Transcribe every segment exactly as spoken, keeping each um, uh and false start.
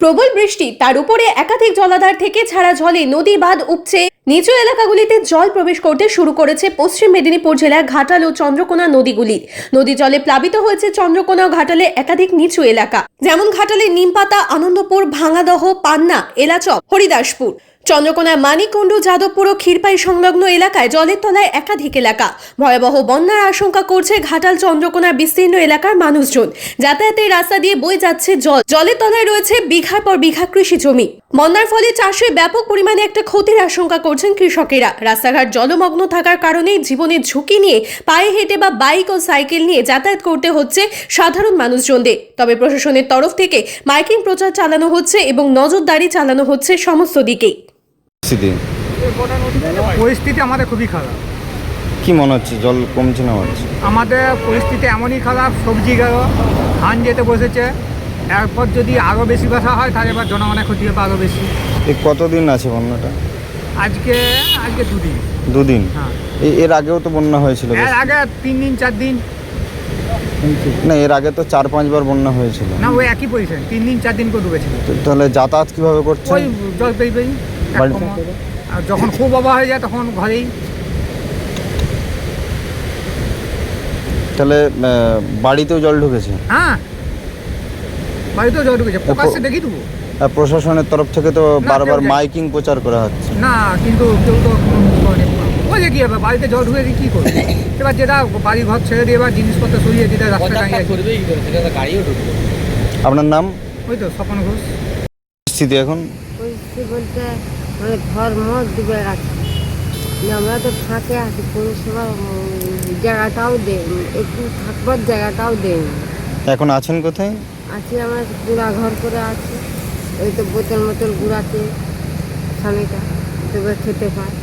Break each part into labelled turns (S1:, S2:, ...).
S1: প্রবল বৃষ্টি, তার উপরে একাধিক জলাধার থেকে ছাড়া জলে নদী বাঁধ উপচে নিচু এলাকাগুলিতে জল প্রবেশ করতে শুরু করেছে পশ্চিম মেদিনীপুর জেলার ঘাটাল ও চন্দ্রকোনা নদীগুলি। নদী জলে প্লাবিত হয়েছে চন্দ্রকোনা ও ঘাটালে একাধিক নিচু এলাকা, যেমন ঘাটালে নিমপাতা, আনন্দপুর, ভাঙাদহ, পান্না, এলাচক, হরিদাসপুর। চন্দ্রকোনার মানিককুণ্ডু, যাদবপুর ও ক্ষীরপাই সংলগ্ন এলাকায় জলের তলায় একাধিক এলাকা। ভয়াবহ বন্যার আশঙ্কা করছে ঘাটাল চন্দ্রকোনার বিস্তীর্ণ এলাকার মানুষজন। যাতায়াতের রাস্তা দিয়ে বয়ে যাচ্ছে জল। জলের তলায় রয়েছে বিঘার পর বিঘা কৃষি জমি। বন্যার ফলে চাষে ব্যাপক পরিমাণে একটা ক্ষতির আশঙ্কা করছেন কৃষকেরা। রাস্তাঘাট জলমগ্ন থাকার কারণে জীবনের ঝুঁকি নিয়ে পায়ে হেঁটে বা বাইক ও সাইকেল নিয়ে যাতায়াত করতে হচ্ছে সাধারণ মানুষজনদের। তবে প্রশাসনের তরফ থেকে মাইকিং প্রচার চালানো হচ্ছে এবং নজরদারি চালানো হচ্ছে সমস্ত দিকেই।
S2: পরিস্থিতি আমাদের খুবই খারাপ।
S3: কি মনে হচ্ছে জল কমছে না বাড়ছে?
S2: আমাদের পরিস্থিতি এমনই খারাপ, সবজি গেল, ধান যেতে বসেছে। এরপর যদি আরও বেশি কথা হয় তাহলে এবার জনগণের ক্ষতি হবে আরও বেশি।
S3: এই কতদিন আছে বন্যাটা?
S2: আজকে আজকে দুদিন।
S3: দুদিন?
S2: হ্যাঁ।
S3: এই এর আগেও তো বন্যা হয়েছিল।
S2: এর আগে তিন দিন চার দিন
S3: না, এর আগে তো চার পাঁচবার বন্যা হয়েছিল।
S2: না, ওই একই পজিশন, তিন দিন চার দিন করে ডুবেছিল।
S3: তো তাহলে যাতায়াত কিভাবে করছে?
S2: ওই জল পেয়ে পেয়ে আর যখন খুব অভাব হয়ে যায় তখন ঘরেই।
S3: তাহলে আহ, বাড়িতেও জল ঢুকেছে?
S2: হ্যাঁ, বাড়িতেও জল ঢুকেছে, প্রকাশ্যে দেখি দেবো।
S3: আর প্রশাসনের তরফ থেকে তো
S2: না,
S3: বারবার
S2: কেউ-
S3: মাইকিং প্রচার করা হচ্ছে।
S2: না, কিন্তু কেউ তো ওই যে কী হবে, বাড়িতে জল ঢুকে কী করবে? এবার যেটা বাড়ি ঘর ছেড়ে দিয়ে এবার জিনিসপত্র সরিয়ে দিতে রাস্তায় দাঁড়িয়ে আছে।
S3: আপনার নাম?
S2: ওই তো স্বপন ঘোষ।
S3: স্থিতি এখন
S4: পরিস্থিতি বলতে মানে ঘর মত ডুবে গেছে। আমরা তো ফাঁকে আছি, পৌরসভা জায়গাটাও দেয়, একটু থাকবার জায়গাটাও দেয়নি।
S3: এখন আছেন কোথায়?
S4: আছি আমরা গুঁড়া ঘর করে আছি, ওই তো বোতল মোতল গুঁড়াতে স্বামীটা তবে খেতে পায়।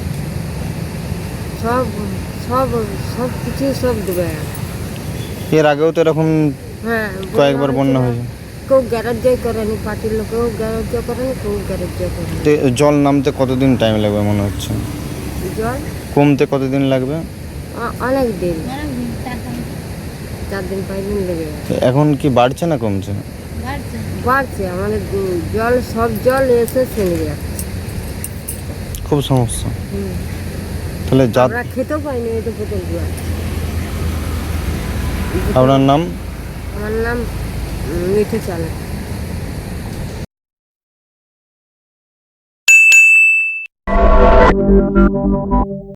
S4: সব সব সব কিছু সব ডুবে গেছে।
S3: এর আগেও তো এরকম
S4: হ্যাঁ,
S3: কয়েকবার বন্যা হয়েছে।
S4: কেউ গ্যারাজ্য করেনি, পার্টির লোকেও গ্যারাজ্য করেনি, কেউ গ্যারাজ্য করেনি।
S3: তো জল নামতে কতদিন টাইম লাগবে মনে হচ্ছে?
S4: জল
S3: কমতে কতদিন লাগবে?
S4: অ- অনেক দিন, চার দিন পাঁচ দিন লেগে গেছে।
S3: তো এখন কি বাড়ছে না কমছে?
S4: বাড়ছে আমাদের উম, জল, সব জল এসে ফেলে যাচ্ছে।
S3: খুব সমস্যা।
S4: হুম।
S3: তাহলে যা
S4: আমরা খেতেও পাইনি, এই তো বোতল গুলো আছে।
S3: আপনার নাম?
S4: আমার নাম উম, মিঠু চালক।